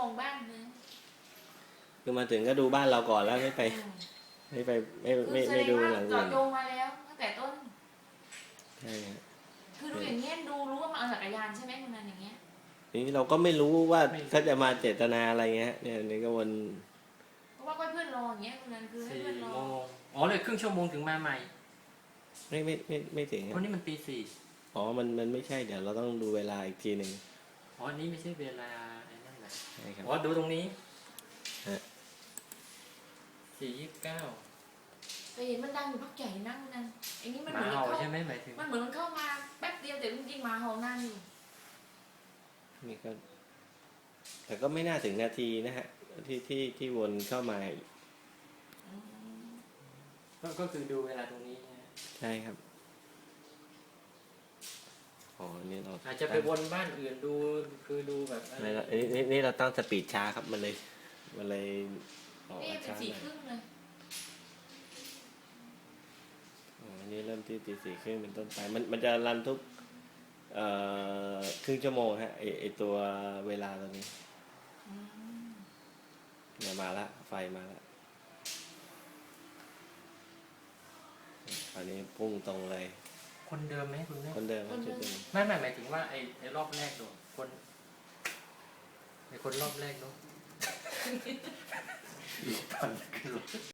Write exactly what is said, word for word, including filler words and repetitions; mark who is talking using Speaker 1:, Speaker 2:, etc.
Speaker 1: งบ้านเลย
Speaker 2: คือมาถึงก็ดูบ้านเราก่อนแล้วไม่ไป
Speaker 1: อืม
Speaker 2: ไม่ไปไม่
Speaker 1: คือ
Speaker 2: ไม่
Speaker 1: แส
Speaker 2: ไม่
Speaker 1: ดง
Speaker 2: ดู
Speaker 1: ว่า
Speaker 2: หลัง
Speaker 1: เจาะ
Speaker 2: อื่น
Speaker 1: จงมาแล้วตั้งแต่ต้น
Speaker 2: ใช่ฮะ
Speaker 1: คือดูอย่างเงี้ยดูรู้ว่ามาเอาจักรยานใช่ไหมคุณนันอย่างเงี้ย
Speaker 2: นี่เราก็ไม่รู้ว่าเขาจะมาเจตนาอะไรเงี้ยเนี่ยนี่ก็วน
Speaker 1: เพราะว่าเพื่อนรออย่างเงี้ยคุณนันคือให้
Speaker 3: สี่
Speaker 1: เพื่อนรอ
Speaker 3: โมงอ๋อเลยครึ่งชั่วโมงถึงมาใหม่
Speaker 2: ไม่ไม่ไม่ไม่ถึง
Speaker 3: วั
Speaker 2: ฮะ
Speaker 3: นนี้มันตีสี่
Speaker 2: อ๋อมันมันไม่ใช่เดี๋ยวเราต้องดูเวลาอีกทีหนึ่ง
Speaker 3: อ๋ออันนี้ไม่ใช่เวลาไอ้นั่นแหละ
Speaker 2: ใช่ครับ
Speaker 3: อ๋อดูตรงนี้
Speaker 2: ฮะ
Speaker 3: สี่ยี่สิบเก้า
Speaker 1: แต่เห็นมันดังอยู่พักใหญ่นะคุณนันไอ้นี่มัน
Speaker 3: ห
Speaker 1: เห
Speaker 3: มา
Speaker 1: มือน
Speaker 3: เห่า
Speaker 1: เข้า
Speaker 3: ใช่ไหมหมายถึง
Speaker 1: มันเหมือนมันเข้ามาแป๊บเดียวแต่จริงๆหมาเห่านานอยู่
Speaker 2: นี่ก็แต่ก็ไม่น่าถึงนาทีนะฮะที่ที่ที่วนเข้ามา
Speaker 1: อืม
Speaker 3: ก็ก็คือดูเวลาตรงนี้นะ
Speaker 2: ใช่ครับอ๋อนี่เรา
Speaker 3: อาจจะไปวนบ้านอื่นดูคือดูแบบอะไร
Speaker 2: นี่นี่นี่เราตั้งสปีดช้าครับมันเลยมันเลยออก
Speaker 1: นี่
Speaker 2: มา
Speaker 1: เป็น
Speaker 2: ช้า
Speaker 1: สี่
Speaker 2: หน่อย
Speaker 1: ครึ่งเลย
Speaker 2: อ๋ออันนี้เริ่มที่ตีสี่ครึ่งเป็นต้นไปมันมันจะรันทุกเอ่อครึ่งชั่วโมงฮะไอไอตัวเวลาตัวนี้
Speaker 1: อืม
Speaker 2: เนี่ยมาละไฟมาละตอนนี้พุ่งตรงเลย
Speaker 3: คนเดิมไหมคุณแม่
Speaker 2: คนเดิมครับชุดเดิม
Speaker 3: ไม่ไม่หมายถึงว่าไอ้ไอ้รอบแรกโดนคนไอ้คนรอบแรกเนาะ อีกตอนขึ้นรถ